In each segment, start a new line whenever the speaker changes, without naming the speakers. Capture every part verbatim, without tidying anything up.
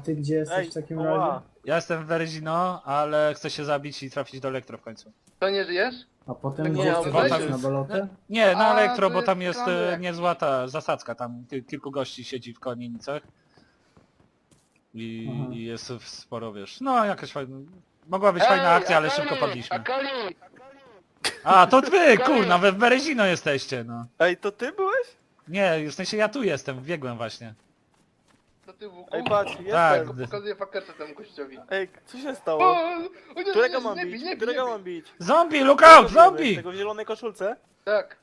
ty gdzie jesteś
Ej,
w takim
oła.
razie?
Ja jestem w Berezino, ale chcę się zabić i trafić do elektro w końcu.
To nie żyjesz?
A potem
Nie,
gdzie
ale
chcesz
tam
iść na
jest-
bolotę?
Nie, na
A,
elektro,
to
bo
jest
tam jest
plan
e,
jakiś.
niezła ta zasadzka, tam ki- kilku gości siedzi w Konienicach. I,
Aha.
I jest sporo, wiesz, no jakaś fajna... Mogła być fajna akcja, ale szybko padliśmy.
Akali!
A, to wy, kurna, we w Berezino jesteście, no.
Ej, to ty byłeś?
Nie, w sensie ja tu jestem, biegłem właśnie.
To ty w
Ej, patrz, jestem.
Tak.
Pokazuję fakerce temu gościowi.
Ej, co się
O,
stało?
o nie,
Którego
nie,
mam
nie bij,
bić?
nie bij,
Którego
nie
mam
bij.
bić?
Zombie, look out,
Którego bijemy?
zombie!
Tego w zielonej koszulce?
Tak.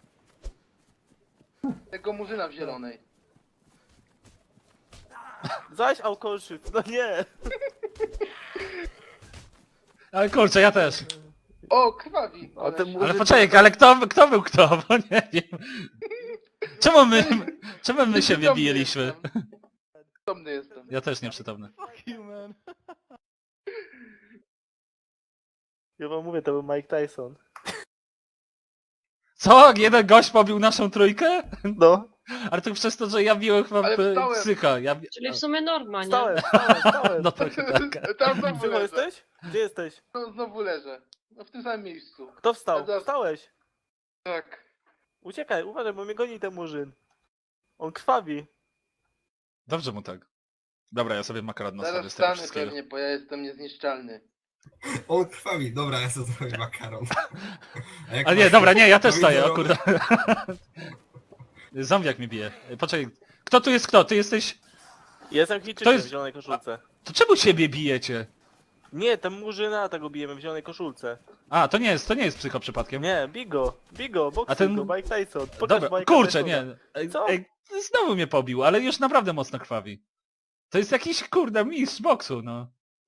Tego murzyna w zielonej.
Zaś alkoholszyc, no nie.
Ale kurczę, ja też.
O, krwawi.
A ten
Ale-
murzyn-
Ale poczekaj, ale kto, kto był kto, bo nie wiem. Czemu my, czemu my się
Nieprzytomny
wybijaliśmy?
jestem. Przytomny jestem.
Ja też nieprzytomny.
Ja wam mówię, to był Mike Tyson.
Co? Jeden gość pobił naszą trójkę?
No.
Ale to przez to, że ja biłem chyba
Ale
p-
wstałem.
psycha. Ja... bi-
Czyli w sumie norma, nie?
Stałem, stałem, stałem.
No trochę tak.
Tam znowu
Gdzie
leżę.
jesteś? Gdzie jesteś?
No, znowu leżę. No w tym samym miejscu.
Kto wstał?
Ja zaraz-
Wstałeś.
Tak.
Uciekaj, uważaj, bo mnie goni ten murzyn. On krwawi.
Dobrze mu tak. Dobra, ja sobie makaron nastawię
Zaraz
z tego
wstanę
wszystkiego.
pewnie, bo ja jestem niezniszczalny.
On krwawi, dobra, ja sobie zrobię makaron. A jak
Ale nie,
masz-
dobra, nie, ja też staję, o
pomidorowy?
kurde. Zombiak mi bije. Poczekaj, kto tu jest kto? Ty jesteś...
Jestem
Kto
Chińczykiem
jest-
w zielonej koszulce.
To czemu siebie bijecie?
Nie, ten murzyna tego bijemy w zielonej koszulce.
A, to nie jest, to nie jest psycho przypadkiem.
Nie, Bigo, Bigo, boxy
A ten-
go, Mike Tyson. Pokaż
Dobra,
Mike'a
kurczę,
Tysona.
nie. Ej,
Co?
ej, znowu mnie pobił, ale już naprawdę mocno krwawi. To jest jakiś, kurde, mistrz boksu, no.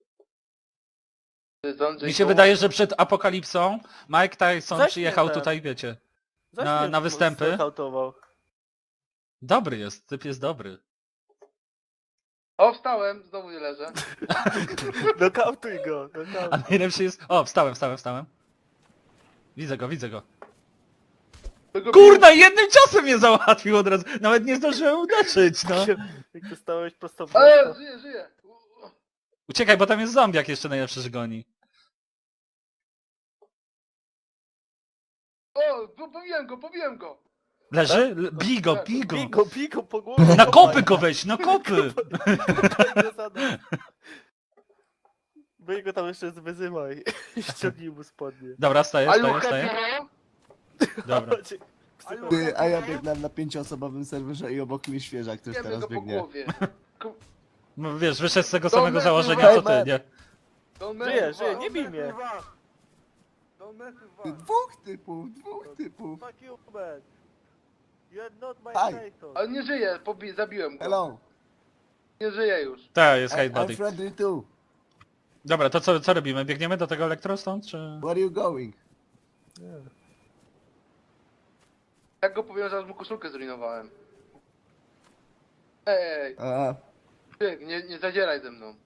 To jest Andrzej
Mi się
Koł-
wydaje, że przed apokalipsą Mike Tyson
Zaś
przyjechał
nie ten.
tutaj, wiecie.
Zaś
na-
mnie
na występy.
znokautował.
Dobry jest, typ jest dobry.
O, wstałem, znowu nie leżę.
Nokautuj go,
A
nokautuj.
najlepszy jest... O, wstałem, wstałem, wstałem. Widzę go, widzę go.
Tego
Kurna, jednym ciosem mnie załatwił od razu. Nawet nie zdążyłem uderzyć, no.
Jak to stałeś prosto w
Ale
prosto.
żyję, żyję. U- u-
Uciekaj, bo tam jest zombiak jeszcze najlepszy, że goni.
O, po- pobiłem go, pobiłem go.
Leży?
Tak?
L- Bij go, bij go.
Bigo, bigo po głowie.
Na kopy go weź, na kopy!
Wy go tam jeszcze wyzywaj. Ściągnij mu spodnie.
Dobra, staję,
Are you
staję,
happy
staję.
now?
Dobra.
Psycho-
Ty, a ja biegnę na pięcioosobowym serwerze i obok mnie świeżak też
Bijemy
teraz
go po
biegnie.
głowie. Ku-
No wiesz, wyszedł z tego
Don't
samego
mess
założenia,
with
co ty, nie?
Don't mess
Żyję,
with
żyję,
us.
nie bij mnie.
Ty, dwóch typów, dwóch typów.
Fuck you, man. You're not my
Hi.
Tyson.
Ale nie żyje, pobi zabiłem go.
Hello,
Nie żyje już.
Tak, jest
I,
hate
I'm
body.
friendly too.
Dobra, to co, co robimy? Biegniemy do tego elektro stąd, czy...
Where are you going?
Jak go powiem, że aż mu koszulkę zrujnowałem. Ej,
A,
ty, nie, nie zadzieraj ze mną.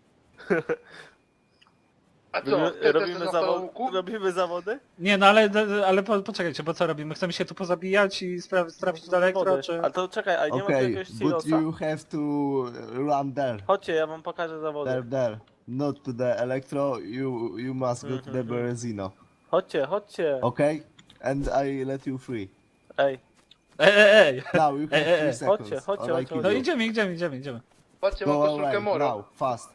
A co,
Robimy,
ty
robimy,
też na
zawod...
łuku?
robimy zawody?
Nie, no ale, ale po, poczekajcie, bo co robimy? Chcemy się tu pozabijać i spra- trafić do elektro,
Zawody.
czy...
A to czekaj, a nie ma tu
okay,
jakiegoś
but
silosa?
you have to run there.
Chodźcie, ja wam pokażę zawody.
There, there. Not to the electro, you you must go to the
Mhm.
Berezino.
Chodźcie, chodźcie.
Okay? And I let you free.
Ej,
Ej, ej, ej!
Now you have
Ej, ej,
three
ej.
seconds.
Chodźcie, chodźcie,
or I
chodźcie,
kill
No
you.
idziemy, idziemy, idziemy, idziemy.
Patrzcie, mam
Go
koszulkę
away,
moro.
now, fast.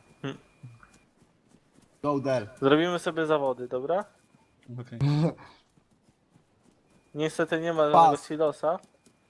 Go there.
zrobimy sobie zawody, dobra?
Okej.
Niestety nie ma żadnego
Pas.
silosa.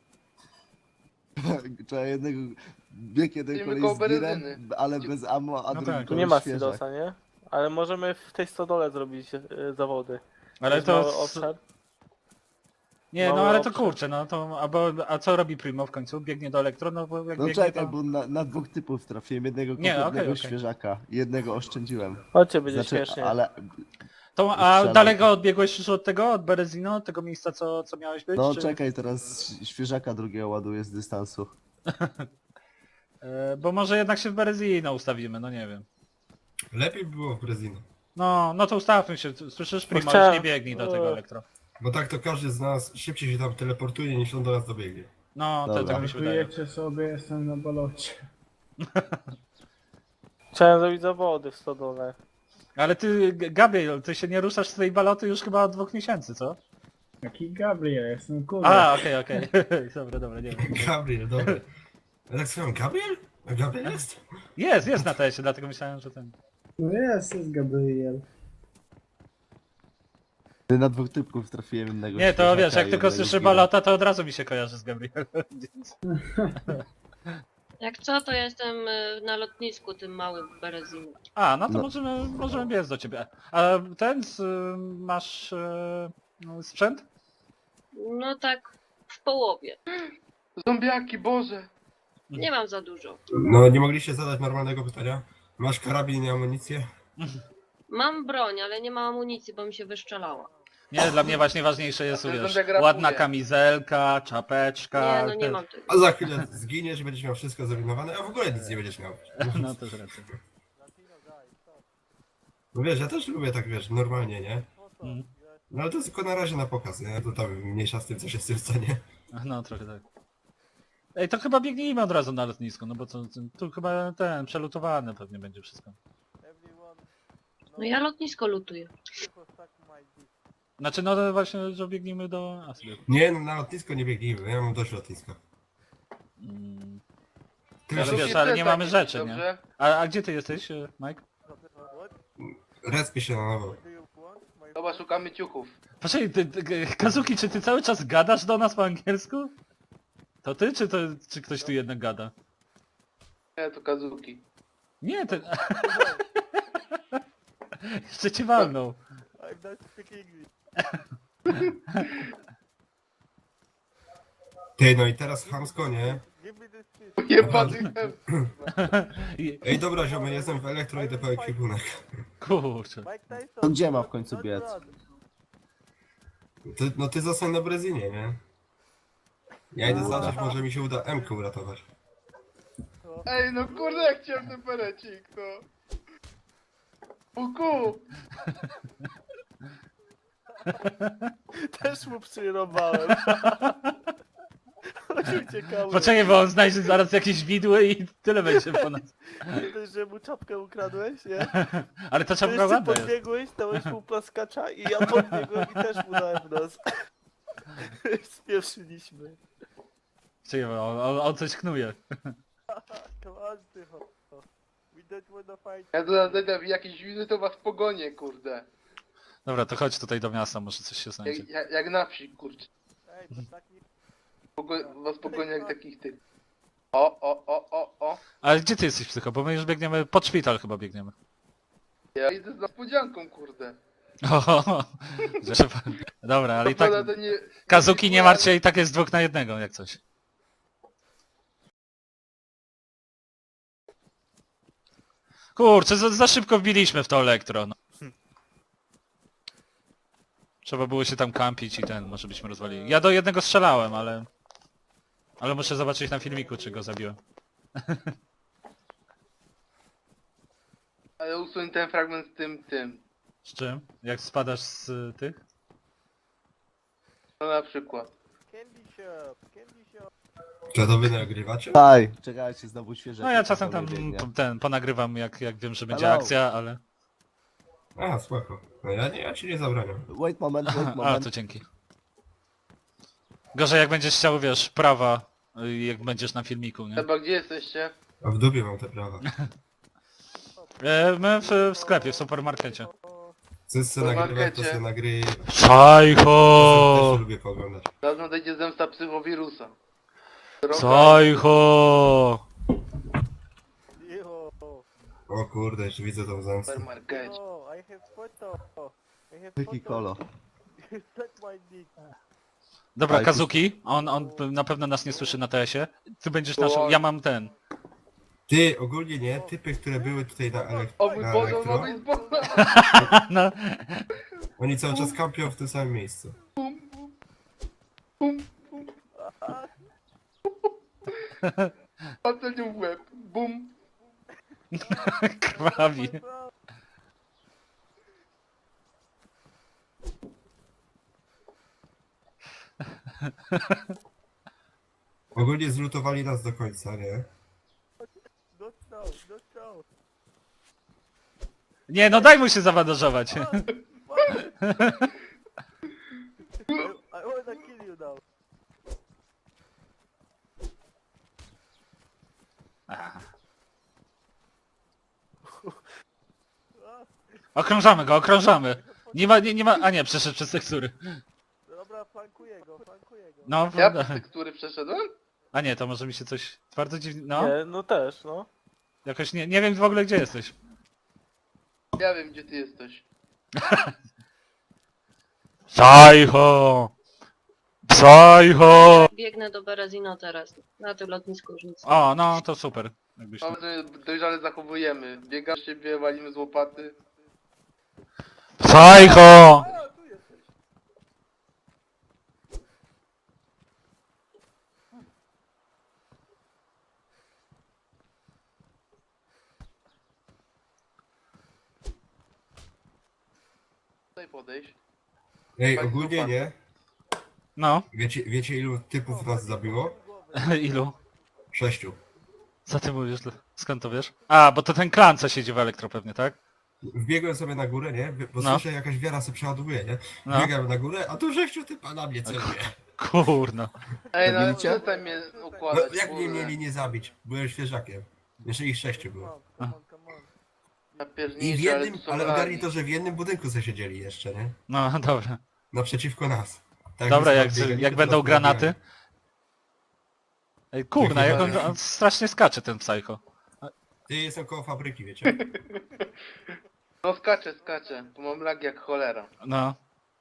Trzeba jednego... Bieg jeden
Idziemy
kolej
koło
z girem,
Berezyny.
ale bez ammo, a
No
drugi
tak.
Tu nie
kolej
ma
świeżak.
silosa, nie? Ale możemy w tej stodole zrobić e, zawody.
Ale
Jest
to...
mały
s-
obszar.
Nie, no
mały
ale to
obszar.
kurczę, no to... A, bo, a co robi Primo w końcu? Biegnie do elektro? No bo jak
No
biegnie
czekaj,
to...
bo na, na dwóch typów trafiłem. Jednego
Nie, okej,
kompletnego
okej.
świeżaka. Jednego oszczędziłem.
Chodźcie, będzie
Znaczy,
śmiesznie.
ale...
To, a
Strzelam.
daleko odbiegłeś już od tego, od Berezino, od tego miejsca, co, co miałeś być?
No
czy...
czekaj, teraz świeżaka drugiego ładuję z dystansu.
E, bo może jednak się w Berezino ustawimy, no nie wiem.
Lepiej by było w Brezino.
No, no to ustawmy się, słyszysz Primo,
chciałem-
już nie biegnij do tego
Eee.
elektro.
Bo tak to każdy z nas szybciej się tam teleportuje niż on do nas dobiegnie.
No, to
Dobra.
tak mi się wydaje.
Żartujecie sobie, jestem na bolocie.
Chciałem zrobić zawody w stodole.
Ale ty, G- Gabriel, ty się nie ruszasz z tej baloty już chyba od dwóch miesięcy, co?
Jaki Gabriel, jestem kurde.
A, okej, okej. Dobra, dobra, nie wiem.
Gabriel, dobra. Ja tak słucham, Gabriel? A Gabriel jest?
Jest, jest na teście, dlatego myślałem, że ten...
No jest, jest Gabriel.
Ty na dwóch typków trafiłem innego.
Nie, to
świeżaka
wiesz, jak
i
tylko
jednego
słyszę
zgira.
balota, to od razu mi się kojarzy z Gabrielem.
Jak co, to ja jestem y, na lotnisku tym małym Berezinem.
A, no to
No.
możemy, możemy biec do ciebie. A ten, z, masz e, no, sprzęt?
No tak w połowie.
Zombiaki, Boże!
Nie mam za dużo.
No, nie mogliście zadać normalnego pytania? Masz karabin i amunicję?
Mam broń, ale nie mam amunicji, bo mi się wyszczelała.
Nie, dla mnie właśnie ważniejsze jest,
A ty
wiesz,
zombiak rapuje.
ładna kamizelka, czapeczka.
Nie, no nie
te-
mam tego.
A za chwilę zginiesz i będziesz miał wszystko zrównowane, a w ogóle nic nie będziesz miał.
No też racja.
No wiesz, ja też lubię tak, wiesz, normalnie, nie?
Mm.
No ale to jest tylko na razie na pokaz, nie? To tam mniejsza z tym, co się z tym stanie.
No trochę tak. Ej, to chyba biegnijmy od razu na lotnisko, no bo to, to, tu chyba ten, przelutowane pewnie będzie wszystko.
No ja lotnisko lutuję.
Znaczy, no to właśnie, że biegnijmy do Asby.
Nie, no na lotnisko nie biegnijmy, ja mam dość lotniska.
Mm.
Ty
Ale
wiesz,
wiesz,
Zróbcie
ale
ten
nie mamy
taki,
rzeczy, nie?
dobrze?
A, a gdzie ty jesteś, e, Mike?
respi się na nowo.
Dobra, szukamy ciuchów.
Poczekaj, ty, ty, Kazuki, czy ty cały czas gadasz do nas po angielsku? To ty, czy, to, czy ktoś tu jednak gada?
Nie, to Kazuki.
Nie, ten... Jeszcze cię walnął.
I'm not speaking English.
Ty, no i teraz chamsko, nie?
Give me this shit.
Jebany chem.
I-
Ej, dobra, ziomy, jestem w elektro, idę po ekwipunek.
Kurczę.
Mike Tyson.
To gdzie ma w końcu
don't
biec?
run.
Ty, no ty zostań na Brezinie, nie? Ja idę zobaczyć, może mi się uda M-kę uratować.
Ej, no kurde, jak chciałem ten perecik, no. Puku!
Też mu przyrobałem. Uciekamy.
Poczekaj, bo on znajdzie zaraz jakieś widły i tyle będzie po nas.
Nie dość, że mu czapkę ukradłeś, nie?
Ale ta
To
czapka
jeszcze
ładna jest.
podbiegłeś, dałeś mu plaskacza i ja podbiegłem i też mu dałem w nos. Spieprzyliśmy.
Czekaj, bo on, on, on coś knuje.
Come on, tycho. We don't wanna fight.
Ja tu zajdę w jakieś wizy, to was pogonię, kurde.
Dobra, to chodź tutaj do miasta, może coś się znajdzie.
Jak, jak, jak na wsi, kurczę.
Ej, to tak nie...
Pogo was pogonię jak takich tych. O, o, o, o, o.
Ale gdzie ty jesteś, psycho? Bo my już biegniemy, pod szpital chyba biegniemy.
Ja idę z niespodzianką, kurde.
O, że... Dobra, ale i tak...
Prawda, to nie...
Kazuki, nie martw się, i tak jest dwóch na jednego, jak coś. Kurczę, za, za szybko wbiliśmy w to elektro. No. Trzeba było się tam kampić i ten, może byśmy rozwalili. Ja do jednego strzelałem, ale... Ale muszę zobaczyć na filmiku, czy go zabiłem.
Ale usuń ten fragment z tym, tym.
Z czym? Jak spadasz z y, tych?
No na przykład.
Candy shop, candy shop.
Czy to wy nagrywacie?
Daj, czekajcie, znowu świeże.
No ja czasem tam ten, ponagrywam jak, jak wiem, że będzie
Hello.
akcja, ale...
A, spoko. No ja, nie, ja ci nie zabraniam.
Wait moment, wait
A,
moment.
to dzięki. Gorzej jak będziesz chciał, wiesz, prawa, y, jak będziesz na filmiku, nie?
Chyba gdzie jesteście?
A w dupie mam te prawa.
E, my w, w sklepie, w supermarkecie.
Chcesz se nagrywać, to se nagryj. Też
Sajcho!
lubię pooglądać.
Zaraz nadejdzie zemsta psychowirusa.
Sajcho!
Yo,
O kurde, jeszcze widzę tą
W
zemstę.
supermarkecie.
yo, I have photo. I have
Taki
photo.
kolo.
Suck my dick.
Dobra,
Ale
Kazuki, on, on na pewno nas nie słyszy na T S ie. Ty będziesz naszą,
Oj.
ja mam ten.
Ty, ogólnie nie, typy, które były tutaj na, elek
O mój
na
Boże, o
elektro,
mój Boże!
No,
oni cały czas kampią w tym samym miejscu.
Ocenił w łeb. Bum.
krwawi.
Ogólnie zlutowali nas do końca, nie?
Not now, not now.
Nie, no daj mu się zawandażować.
I wanna kill you now.
Okrążamy go, okrążamy. Nie ma, nie, nie ma, a nie, przeszedł przez tekstury.
Dobra, flankuję go, flankuję go.
No,
Ja
da-
przez tekstury przeszedłem?
a nie, to może mi się coś bardzo dziwnie, no.
Nie, no też, no.
Jakoś nie, nie wiem w ogóle gdzie jesteś.
Ja wiem, gdzie ty jesteś.
Psycho! Psycho!
Biegnę do Berezino teraz. Na tym lotnisku już nic.
O, no to super. Jakbyś...
Mamy, że dojrzale zachowujemy. Biegam z siebie, walimy z łopaty.
Psycho!
A, tu jesteś.
Tutaj podejść.
Ej, ogólnie nie.
No,
Wiecie, wiecie ilu typów nas zabiło?
ilu?
Sześciu.
Co ty mówisz? Skąd to wiesz? A, bo to ten klan, co siedzi w elektro pewnie, tak?
Wbiegłem sobie na górę, nie? Bo
No.
słyszę jakaś wiara sobie przeładowuje, nie?
No.
Biegam na górę, a tu sześciu typa na mnie celuje.
Kurno.
Ej, no
Zabiliście?
przestań mnie
No,
układać.
jak mnie
kurde.
mieli nie zabić? Byłem świeżakiem. Jeszcze ich sześciu było.
Come on, come on.
Ja
I w
pierniczę, ale
jednym,
tu są
ale
lagi.
ogarnij to, że w jednym budynku sobie siedzieli jeszcze, nie?
No, dobra.
Naprzeciwko nas. Tak
Dobra,
my
jak,
sobie biegli,
jak
to
będą
nas
granaty.
pobiegali.
Ej, kurna, jak on,
Jakie
on strasznie skacze, ten psycho.
Ty, jestem koło fabryki, wiecie?
No skaczę, skaczę. Tu mam lagi jak cholera.
No.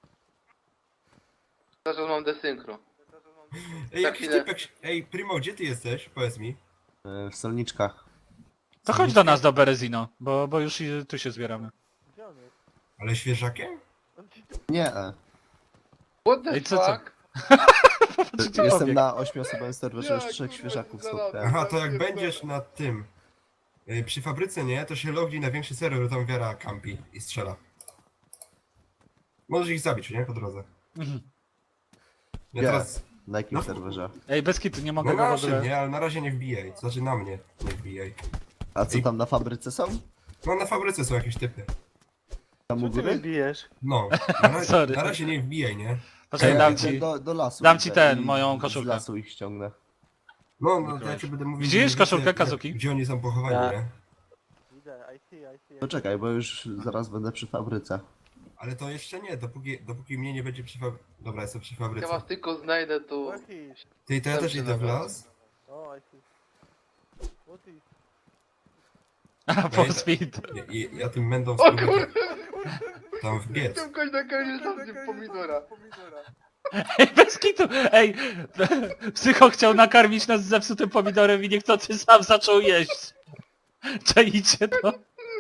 Zresztą mam desynchro.
Ej,
Za
jakiś
chwilę.
typek... Ej, Primo, gdzie ty jesteś? Powiedz mi.
E, W solniczkach.
To chodź do nas do Berezino, bo, bo już i tu się zbieramy.
Gdzie on jest?
Ale świeżakiem?
On ci
Nie, e.
What the
Ej, co, co?
fuck?
Czy ci
Jestem
pobiegł?
na ośmioosobowym serwerze, już
Ja,
trzech
kurwa,
świeżaków
zaraz.
spotkałem.
Aha, to jak będziesz na tym... y, Przy fabryce, nie? To się lognij na większy serwer, tam wiara kampi i strzela. Możesz ich zabić, nie? Po drodze.
Mhm.
Ja
Gdzie?
teraz...
Na jakim
No.
serwerze?
Ej, bez kitu, nie mogę
No
go w
naszym,
ogóle...
nie? Ale na razie nie wbijaj. To znaczy na mnie nie wbijaj.
A co tam na fabryce są?
No na fabryce są jakieś typy.
Tam u
Co ty mnie
góry?
bijesz?
No, na razie,
Sorry.
na razie nie wbijaj, nie?
Poczekaj,
Ja
dam
idę
ci...
do, do lasu.
dam ci
idę
ten,
i
moją
Z
koszulkę.
lasu ich ściągnę.
No, no to ja ci będę mówił...
Widzisz
gdzie-
koszulkę
jak-
Kazuki?
Gdzie oni są pochowani,
Ja.
nie?
Widzę, I see, I see.
Poczekaj, bo już zaraz będę przy fabryce.
Ale to jeszcze nie, dopóki, dopóki mnie nie będzie przy fabryce. Dobra, jestem przy
Ja
fabryce.
was tylko znajdę, to...
What is?
Ty, to ja też
Dobrze,
idę w
dobra.
las.
Oh, I see. What is?
A, po speed.
Ja, ja, ja tym będą
O
spróbuję
kurde!
tam wbiec.
Chciałem kość na koniec tam pomidora.
Ej, bez kitu! Ej! Psycho chciał nakarmić nas zepsutym pomidorem i niechcący sam zaczął jeść. Czajcie to?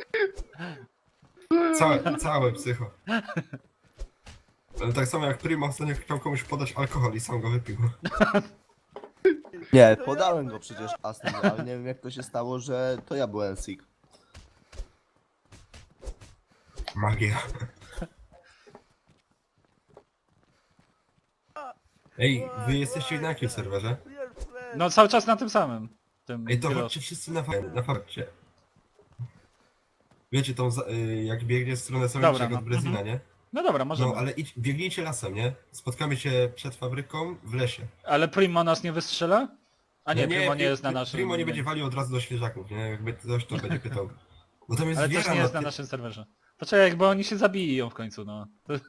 Całe, całe psycho. Ale tak samo jak Primo ostatnio chciał komuś podać alkohol i sam go wypił.
Nie, podałem go przecież Aston, ale nie wiem jak to się stało, że to ja byłem sick.
Magia. Ej, wy jesteście na jakim serwerze?
No cały czas na tym samym. Tym
Ej, to
kilo.
chodźcie wszyscy na, fa- na fabrykę. Wiecie, tą, za- y, jak biegnie w stronę
Dobra,
Solniczego
no.
od Brezina, nie?
No dobra, możemy.
No, ale idź, biegnijcie lasem, nie? Spotkamy się przed fabryką w lesie.
Ale Primo nas nie wystrzela? A nie,
No
Primo nie
Pri-
jest na naszym...
Primo nie będzie walił od razu do świeżaków, nie? Jakby ktoś to będzie pytał. Bo tam jest
Ale
wiara
też nie jest na
ty-
naszym serwerze. Poczekaj, bo oni się zabiją w końcu, no.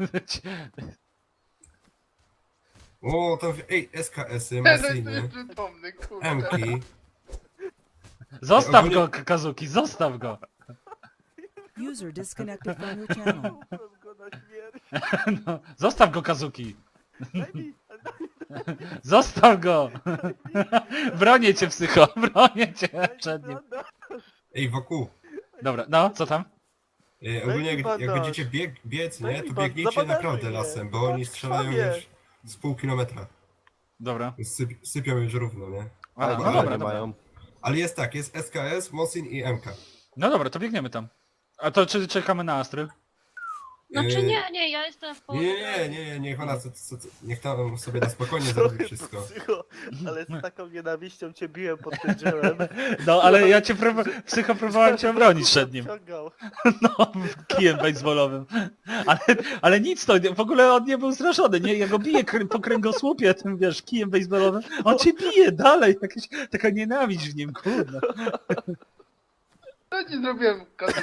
O, tam... Ej, S K S-y,
Ten jest
Masiny,
przytomny, kurde.
M-ki.
Zostaw
Ogólnie-
go, K- Kazuki, zostaw go!
User disconnected from your channel.
Wrzucam go na śmierć.
No, zostaw go, Kazuki!
Daj mi,
Zostaw go! Bronię cię, psycho, bronię cię
daj mi
przed nim.
bandaż.
Ej, wokół.
Dobra, no, co tam?
Ej, ogólnie
mi
jak, jak
bandaż.
będziecie bieg, biec,
Daj
nie?
mi
To
ban-
biegnijcie
zabandażuj
naprawdę
mnie.
lasem, bo oni strzelają
Krwawie.
już z pół kilometra.
Dobra.
Syp, sypią już równo, nie?
A,
Ale
no
no
dobra,
nie
dobra.
mają.
Ale jest tak, jest S K S, Mosin i M K.
No dobra, to biegniemy tam. A to czy czekamy na Astry?
Znaczy
Yy,
nie, nie, ja jestem w
Nie,
połowie.
nie, nie, nie, niech ona co, co, co, niech tam sobie na spokojnie zrobi wszystko.
Psycho, Ale z taką nienawiścią cię biłem pod tym drzewem.
No ale ja cię próba... psycho próbowałem cię obronić przed nim.
Ciągał.
No, kijem baseballowym. Ale, ale nic to, w ogóle on nie był zrażony, nie? Ja go biję krę- po kręgosłupie tym, wiesz, kijem baseballowym. On cię bije dalej, jakaś taka nienawiść w nim, kurde.
Co ci zrobiłem, Kazu?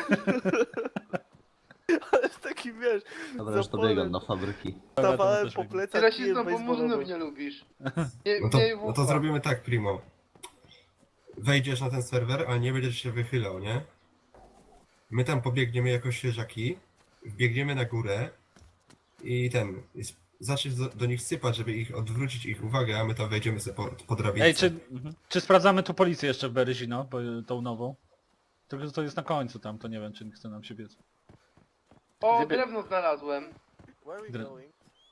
Ale taki wiesz,
Dobra, już dobiegam do fabryki.
stawałem po plecach
Ty
kijem
rasistą po murzynów
baseballowym.
nie lubisz. Nie,
No to,
nie
no to zrobimy tak, Primo. Wejdziesz na ten serwer, ale nie będziesz się wychylał, nie? My tam pobiegniemy jako świeżaki, wbiegniemy na górę i ten... i sp- zaczniesz do, do nich sypać, żeby ich odwrócić ich uwagę, a my tam wejdziemy sobie po, po drabince.
Ej, czy, mhm. czy sprawdzamy tu policję jeszcze w Berezino, bo tą nową? Tylko że to jest na końcu tam, to nie wiem, czy nie chce nam się biec.
O,
Gdyby-
drewno znalazłem.
Where are we
Dre-
going?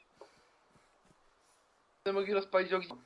Będę mogli rozpalić ogień.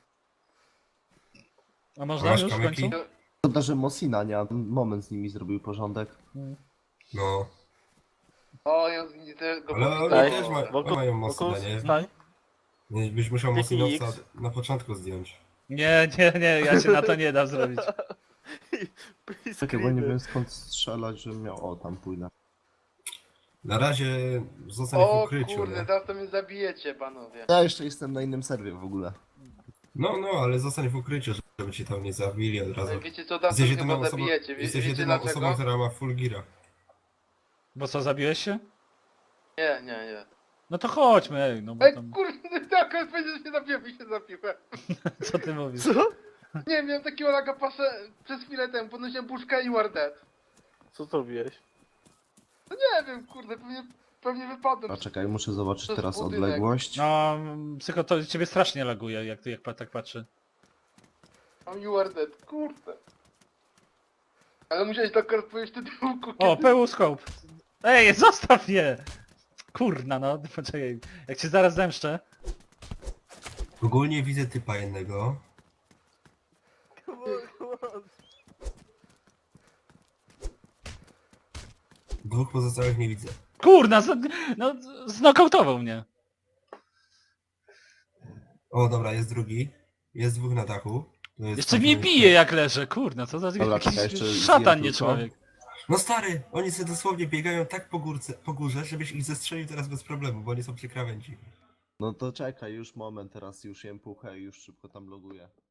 A można
Masz
już w
kamyki?
końcu?
Szkoda, że Mosina nie, a moment z nimi zrobił porządek.
No.
O, ja z tego
Ale oni
Ej,
też ma,
wokół-
mają
wokół
mocne, nie?
stań.
Nie, Byś musiał
Jaki
Mosinowca
X?
na początku zdjąć.
Nie, nie, nie, ja się na to nie dam zrobić.
Please
Czekaj, bo nie
screamer.
wiem skąd strzelać, żebym miał... O, tam pójdę.
Na razie zostań w
O
ukryciu,
kurde,
nie?
teraz to mnie zabijecie, panowie.
Ja jeszcze jestem na innym serwie w ogóle.
No, no, ale zostań w ukryciu, żeby ci tam nie zabili od razu.
Ale wiecie co, teraz to
Jesteś
mnie
jedyną
chyba
osobą,
zabijecie. Wie,
jesteś
wiecie
jedyną
dlaczego?
osobą, która ma full gira.
Bo co, zabiłeś się?
Nie, nie, nie.
No to chodźmy, ej, no bo
Ej,
tam...
kurde, tak, on powiedział, że się zabiłem i się zabiłem.
Co ty mówisz?
Co?
Nie, miałem takiego laga paszę przez chwilę temu, podnosiłem puszkę i war dead.
Co zrobiłeś?
No nie wiem, kurde, pewnie, pewnie wypadłem.
A czekaj, muszę zobaczyć
To jest
teraz
budynek.
odległość.
No, psycho, to ciebie strasznie laguje, jak ty jak pa- tak patrzy.
Mam you are dead, kurde. Ale musiałeś tak odpowiedzieć do tyłku.
O, pełuscope! Ej, zostaw mnie! Kurna, no, poczekaj, jak cię zaraz zemszczę.
Ogólnie widzę typa jednego.
Come on, come on.
Dwóch pozostałych nie widzę.
Kurna, z, no, znokautował mnie.
O, dobra, jest drugi. Jest dwóch na dachu. To jest
Jeszcze
tam,
mnie
gdzie-
bije jak leżę, kurna, co za
Dobra,
jakiś
czekaj, jeszcze
szatan,
zjem
nie
tylko.
człowiek.
No stary, oni sobie dosłownie biegają tak po, górce, po górze, żebyś ich zestrzelił teraz bez problemu, bo oni są przy krawędzi.
No to czekaj, już moment, teraz już jem puchę i już szybko tam loguję.